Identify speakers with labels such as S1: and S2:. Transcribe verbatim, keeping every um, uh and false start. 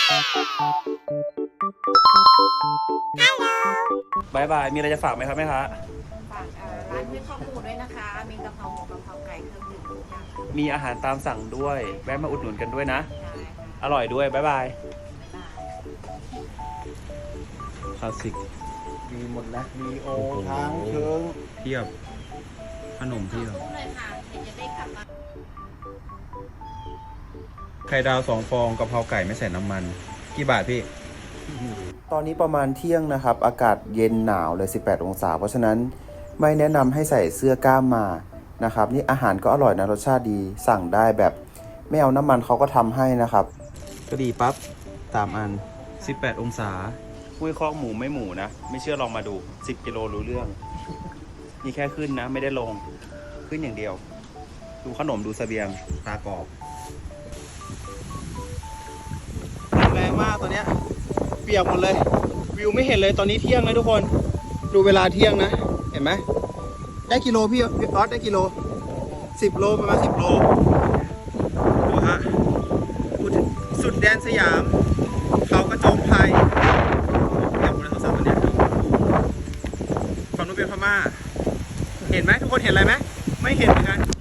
S1: บายบาย มีอะไรจะฝากไหมครับแม่ค้า
S2: ฝากเอ่อร้านห้วยข้าวหมูด้วยนะคะ มีกะเพราหมูกะเพราไก่เครื่องดื่มทุกอย่างค่ะ
S1: มีอาหารตามสั่งด้วย แวะมาอุดหนุนกันด้วยนะ
S2: ได้ค่ะ
S1: อร่อยด้วยบายบาย
S2: ได้
S1: คลาสสิก
S3: มีหมดนะมีโอ
S1: โอ้โห
S3: ทางเชิง
S1: เพียบ ขนมเพียบ
S2: สู้เลยค่ะเดี๋ยวจะได้กลับมา
S1: ไข่ดาวสองฟองกะเพราไก่ไม่ใส่น้ำมัน กี่บาทพี่
S4: ตอนนี้ประมาณเที่ยงนะครับ อากาศเย็นหนาวเลย สิบแปด องศา เพราะฉะนั้นไม่แนะนำให้ใส่เสื้อกล้ามมานะครับ นี่อาหารก็อร่อยนะ รสชาติดี สั่งได้แบบไม่เอาน้ำมันเขาก็ทำให้นะครับ
S1: ก็ดีปั๊บสามอัน สิบแปด องศาห้วยคอกหมูไม่หมูนะ ไม่เชื่อลองมาดู สิบ กิโลรู้เรื่อง นี่แค่ขึ้นนะ ไม่ได้ลง ขึ้นอย่างเดียว ดูขนมดูเสบียงตากรอบแรงมากตอนเนี้ยเปียกหมดเลย วิวไม่เห็นเลยตอนนี้เที่ยงนะทุกคน ดูเวลาเที่ยงนะ เห็นไหม ได้กิโลพี่พี่ออสได้กิโลสิบโลประมาณสิบโล ดูฮะพูดถึงสุดแดนสยาม เขากระโจมไทยเดี๋ยวคุณในโทรศัพท์ตัวเนี้ยฝั่งนู้นเป็นพม่า เห็นไหมทุกคนเห็นอะไรไหม ไม่เห็นเหมือนกัน